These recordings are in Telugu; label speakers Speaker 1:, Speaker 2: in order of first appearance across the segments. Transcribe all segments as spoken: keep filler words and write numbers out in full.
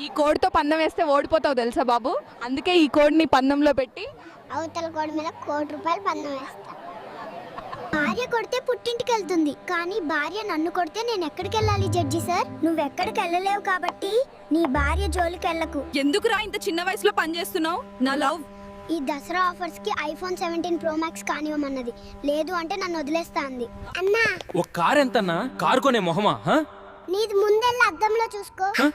Speaker 1: ఈ కోడితో పందెం వేస్తే ఓడిపోతావు తెలుసా బాబు, అందుకే ఈ కోడిని పందెంలో పెట్టి
Speaker 2: అవతల కోడి మీద కోటి రూపాయలు పందెం వేస్తా. భార్య కొడితే పుట్టింటికి వెళ్తుంది, కానీ భార్య నన్ను కొడితే నేను ఎక్కడికి వెళ్ళాలి జడ్జి సార్? నువ్వు ఎక్కడికి వెళ్ళలేవు కాబట్టి నీ భార్య జోలికి వెళ్ళకు.
Speaker 1: ఎందుకురా ఇంత చిన్న వయసులో పని చేస్తున్నావు? నా లవ్
Speaker 2: ఈ దసరా ఆఫర్స్ కి ఐఫోన్ సెవెంటీన్ ప్రో మ్యాక్స్ కానివ్వమన్నది, లేదు అంటే నన్ను వదిలేస్తా అంది. అన్నా
Speaker 3: ఒక కార్ ఎంతన్నా? కారు కొనే మొహమా? హ?
Speaker 2: నీది ముందెళ్ళి అద్దంలో చూసుకో.
Speaker 3: హ?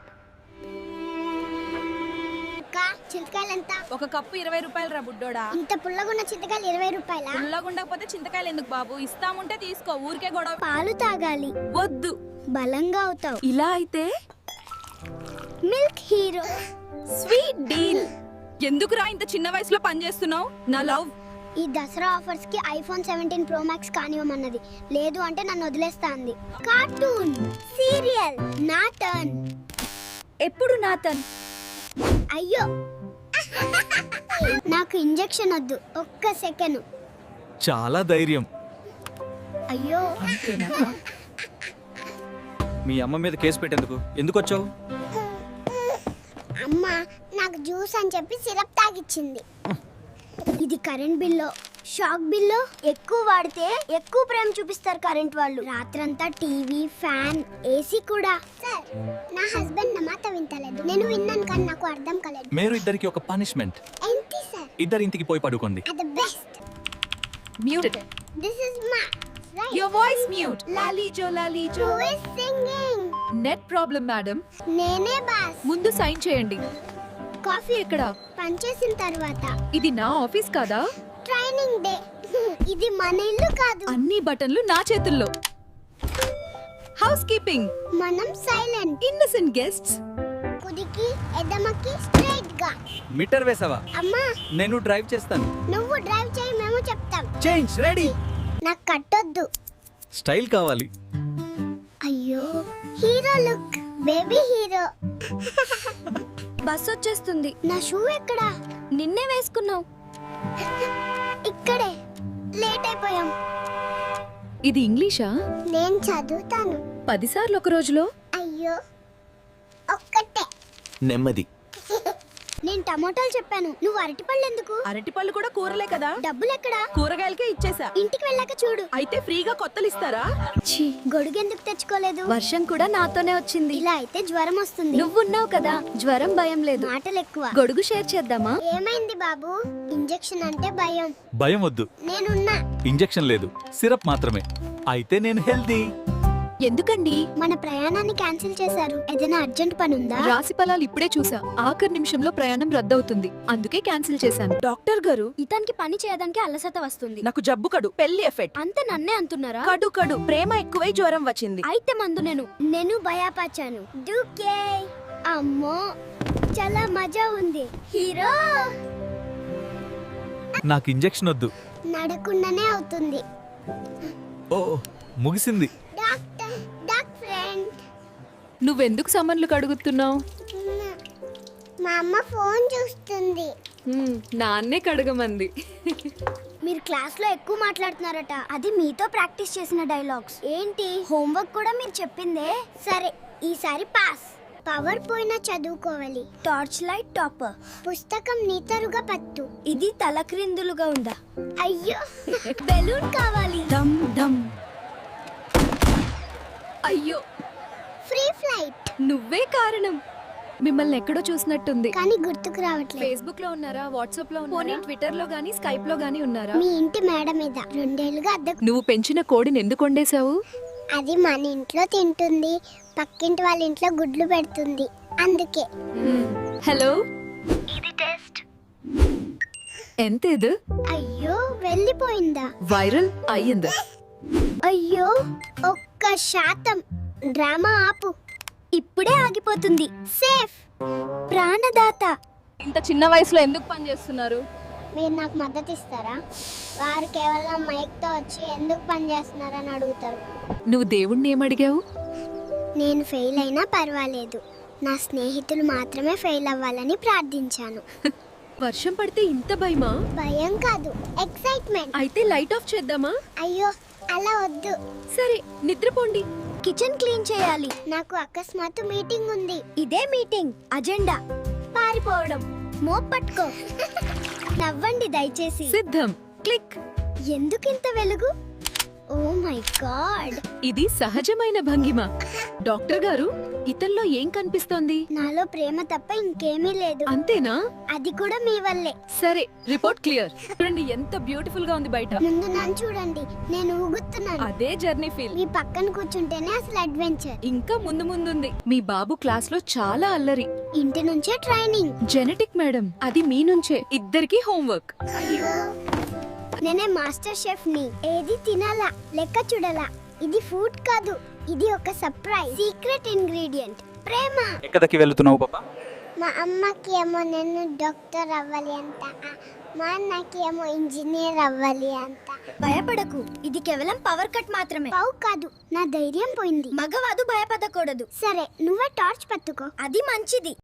Speaker 2: చింతకాయలు ఎంత?
Speaker 1: ఒక కప్పు ఇరవై రూపాయలు రా బుడ్డోడా.
Speaker 2: ఇంత పుల్లగున్న చింతకాయలు ఇరవై రూపాయల?
Speaker 1: పుల్లగుండకపోతే చింతకాయలు ఎందుకు బాబు, ఇస్తాముంటే తీసుకో, ఊరికే గొడవ.
Speaker 2: పాలు తాగాలి,
Speaker 1: వద్దు.
Speaker 2: బలంగా అవుతావు.
Speaker 1: ఇలా అయితే
Speaker 2: మిల్క్ హీరో
Speaker 1: స్వీట్ డీల్. ఎందుకురా ఇంత చిన్న వయసులో పని చేస్తున్నావు? నా లవ్
Speaker 2: ఈ దసరా ఆఫర్స్ కి ఐఫోన్ సెవెంటీన్ ప్రో మ్యాక్స్ కానివ్వమన్నది, లేదు అంటే నన్ను వదిలేస్తా అంది. కార్టూన్ సీరియల్ నా టర్న్.
Speaker 1: ఎప్పుడు నా టర్న్?
Speaker 2: అయ్యో నాకు ఇంజెక్షన్ వద్దు, ఒక్క సెకండ్.
Speaker 3: చాలా ధైర్యం.
Speaker 2: అయ్యో
Speaker 3: మీ అమ్మ మీద కేసు పెట్టేందుకు ఎందుకు వచ్చావు?
Speaker 2: అమ్మ నాకు జ్యూస్ అని చెప్పి సిరప్ తాగిచ్చింది. ఇది కరెంట్ బిల్లో, షాక్ బిల్లో ఎక్కువ వాడితే ఎక్కువ ప్రేమ చూపిస్తారు కరెంట్ వాళ్ళు. రాత్రంతా టీవీ, ఫ్యాన్, ఏసీ కూడా. సార్ నా హస్బెండ్ నా మాట వింటలేదు. నేను విన్నాను కానీ నాకు అర్థం కాలేదు.
Speaker 3: మీరు ఇద్దరికి ఒక పనిష్మెంట్.
Speaker 2: ఏంటి సార్?
Speaker 3: ఇద్దరి ఇంటికి పోయి పడుకోండి.
Speaker 2: అది best.
Speaker 1: Mute.
Speaker 2: This is my right.
Speaker 4: Your voice mute. Lalijo, Lalijo.
Speaker 2: Who is singing?
Speaker 4: Net problem, madam.
Speaker 2: నేనే బాస్.
Speaker 4: ముందు సైన్ చేయండి. కాఫీ ఎక్కడ?
Speaker 2: పనిచేసిన తర్వాత.
Speaker 4: ఇది నా ఆఫీస్ కాదా?
Speaker 2: Training day. ఇది మన ఇల్లు కాదు.
Speaker 4: అన్ని బటన్లు నా చేతుల్లో. Housekeeping.
Speaker 2: మనం సైలెంట్.
Speaker 4: Innocent guests.
Speaker 2: కుదికి ఎడమకి స్ట్రైట్ గా.
Speaker 3: మీటర్ వేసావా?
Speaker 2: అమ్మా
Speaker 3: నేను డ్రైవ్ చేస్తాను.
Speaker 2: నువ్వు డ్రైవ్ చేయి, మేము చెప్తాం.
Speaker 3: Change ready.
Speaker 2: నాకు కట్టొద్దు.
Speaker 3: స్టైల్ కావాలి.
Speaker 2: అయ్యో hero look, baby hero.
Speaker 4: Bus వచ్చేస్తుంది.
Speaker 2: నా షూ ఎక్కడా?
Speaker 4: నిన్నే వేసుకున్నావు.
Speaker 2: ఇక్కడే. లేట్ అయిపోయాం.
Speaker 4: ఇది ఇంగ్లీషా?
Speaker 2: నేను చదువుతాను.
Speaker 4: పదిసార్లు ఒక రోజులో.
Speaker 2: అయ్యో ఒక్కటే.
Speaker 3: నెమ్మది.
Speaker 2: నేను టమోటాలు చెప్పాను, నువ్వు అరటిపళ్ళు ఎందుకు?
Speaker 1: అరటిపళ్ళు కూడా కూరలే కదా.
Speaker 2: డబ్బులు ఎక్కడా?
Speaker 1: కూరగాయలకే ఇచ్చేసా.
Speaker 2: ఇంటికి వెళ్ళాక చూడు.
Speaker 1: అయితే ఫ్రీగా కొత్తలు ఇస్తారా?
Speaker 4: ఛీ,
Speaker 2: గొడుగు ఎందుకు తెచ్చుకోలేదు?
Speaker 4: వర్షం కూడా నాతోనే వచ్చింది.
Speaker 2: ఇలా అయితే జ్వరం వస్తుంది.
Speaker 4: నువ్వున్నావు కదా, జ్వరం భయం లేదు.
Speaker 2: మాటలు ఎక్కువ.
Speaker 4: గొడుగు షేర్ చేద్దామా?
Speaker 2: ఏమైంది బాబు? ఇంజెక్షన్ అంటే భయం.
Speaker 3: భయం వద్దు.
Speaker 2: నేనున్నా.
Speaker 3: ఇంజెక్షన్ లేదు, సిరప్ మాత్రమే. అయితే నేను హెల్దీ.
Speaker 4: ఎందుకండి?
Speaker 2: మన ప్రయాణాన్ని క్యాన్సిల్ చేశారు. ఏదైనా అర్జెంట్ పని ఉందా?
Speaker 4: రాశి ఫలాలు ఇప్పుడే చూసా. ఆఖరి నిమిషంలో ప్రయాణం రద్దవుతుంది, అందుకే క్యాన్సిల్ చేశాను.
Speaker 1: డాక్టర్ గారు,
Speaker 2: ఇతనికి పని చేయడానికి అలసట వస్తుంది.
Speaker 1: నాకు జబ్బు కడు, పెళ్లి ఎఫెక్ట్.
Speaker 2: అంత నన్నే అంటున్నారా?
Speaker 1: కడు కడు ప్రేమ ఎక్కువై జ్వరం వచ్చింది.
Speaker 2: అయితే మందు నేను నేను భయపచ్చాను. డూకే అమ్మో చాలా మజా ఉంది. హీరో
Speaker 3: నాకు ఇంజెక్షన్ వద్దు.
Speaker 2: నడకుండానే అవుతుంది.
Speaker 3: ఓ ముగిసింది.
Speaker 2: Doctor doc friend.
Speaker 4: నువ్వెందుకు సమన్లు కడుగుతున్నావు?
Speaker 2: మా అమ్మ ఫోన్ చూస్తుంది.
Speaker 4: నాన్నే కడగమంది.
Speaker 2: మీరు క్లాస్ లో ఎక్కువ మాట్లాడుతున్నారట. అది మీతో ప్రాక్టీస్ చేసిన డైలాగ్స్. ఏంటి హోంవర్క్ కూడా మీరు చెప్పిందే? సరే ఈసారి పాస్. పవర్ పోయినా చదువుకోవాలి. Torch light topper. పుస్తకం నీతరుగా పట్టు. ఇది తలక్రిందులుగా ఉందా? అయ్యో బెలూన్ కావాలి.
Speaker 4: దమ్ దమ్. అయ్యో
Speaker 2: ఫ్రీ ఫ్లైట్.
Speaker 4: నువ్వే కారణం. మిమ్మల్ని ఎక్కడో చూసినట్టుంది.
Speaker 2: కానీ గుర్తుకు రావట్లేదు.
Speaker 4: ఫేస్బుక్ లో ఉన్నారా? వాట్సాప్ లో ఉన్నారా? ట్విట్టర్ లో గానీ స్కైప్ లో గానీ ఉన్నారా?
Speaker 2: మీ ఇంటి మేడ మీద రెండేళ్లుగా అద్దెకు.
Speaker 4: నువ్వు పెంచిన కోడిని ఎందుకు వండేశావు?
Speaker 2: అది మన ఇంట్లో తింటుంది, పక్కింటి వాళ్ళ ఇంట్లో గుడ్లు పెడుతుంది, అందుకే.
Speaker 4: హలో,
Speaker 2: ఇది టెస్ట్.
Speaker 4: ఎంత ఇది?
Speaker 2: అయ్యో వెళ్ళిపోయిందా?
Speaker 4: వైరల్ అయ్యిందా?
Speaker 2: అయ్యో ఒక్క శాతం. డ్రామా ఆపు, ఇప్పుడే ఆగిపోతుంది. సేఫ్. ప్రాణదాత.
Speaker 1: ఇంత చిన్న వయసులో ఎందుకు పని చేస్తున్నారు?
Speaker 2: మీరు నాకు మద్దతు ఇస్తారా? వారు కేవలం మైక్ తో వచ్చి ఎందుకు పని చేస్తున్నారని అడుగుతారు.
Speaker 4: నువ్వు దేవుణ్ణి ఏమడిగావు?
Speaker 2: నేను ఫెయిల్ అయినా పర్వాలేదు, నా స్నేహితులు మాత్రమే ఫెయిల్ అవ్వాలని ప్రార్థించాను.
Speaker 4: వర్షం పడితే ఇంత భయమా?
Speaker 2: భయం కాదు, ఎక్సైట్మెంట్.
Speaker 4: అయితే లైట్ ఆఫ్ చేద్దామా?
Speaker 2: అయ్యో అలా వద్దు.
Speaker 4: సరే నిద్రపోండి.
Speaker 2: కిచెన్ క్లీన్ చేయాలి. నాకు అకస్మాత్తు మీటింగ్ ఉంది. ఇదే మీటింగ్ అజెండా. పారిపోవడం. మోప్ పట్టుకో. నవ్వండి దయచేసి.
Speaker 4: సిద్ధం. క్లిక్.
Speaker 2: ఎందుకింత వెలుగు? Oh my god.
Speaker 4: ఇది సహజమైన భంగిమ. డాక్టర్ గారు, ఇతల్లో ఏం కనిపిస్తోంది?
Speaker 2: నాలో ప్రేమ తప్ప ఇంకేమీ లేదు.
Speaker 4: అంతేనా?
Speaker 2: అది కూడా మీ వల్లే.
Speaker 4: సరే, రిపోర్ట్ క్లియర్.
Speaker 1: చూడండి ఎంత బ్యూటిఫుల్ గా ఉంది బయట.
Speaker 2: ముందు నన్ను చూడండి, నేను ఊగుతున్నాను.
Speaker 1: అదే జర్నీ ఫీల్.
Speaker 2: మీ పక్కన కూర్చుంటేనే అసలు అడ్వెంచర్.
Speaker 1: ఇంకా ముందు ముందుంది.
Speaker 4: మీ బాబు క్లాస్ లో చాలా అల్లరి.
Speaker 2: ఇంటి నుంచే ట్రైనింగ్.
Speaker 4: జెనెటిక్ మేడం, అది మీ నుంచే. ఇద్దరికి హోంవర్క్.
Speaker 2: నేనే మాస్టర్ షెఫ్ ని. ఏది తినాలా, లెక్క చూడాలా. ఇది ఫుడ్ కాదు, ఇది ఒక సర్ప్రైజ్. సీక్రెట్ ఇంగ్రీడియంట్ ప్రేమ.
Speaker 3: ఎక్కడికి వెళ్తున్నావు పాప?
Speaker 2: మా అమ్మకి ఏమో నేను డాక్టర్ అవ్వాలి అంట, మా అన్నకి ఏమో ఇంజనీర్ అవ్వాలి అంట. భయపడకు, ఇది కేవలం పవర్ కట్ మాత్రమే. పవ్ కాదు, నా ధైర్యం పోయింది. మగవాదు భయపడకూడదు. సరే, నువ్వే టార్చ్ పట్టుకో. అది మంచిది.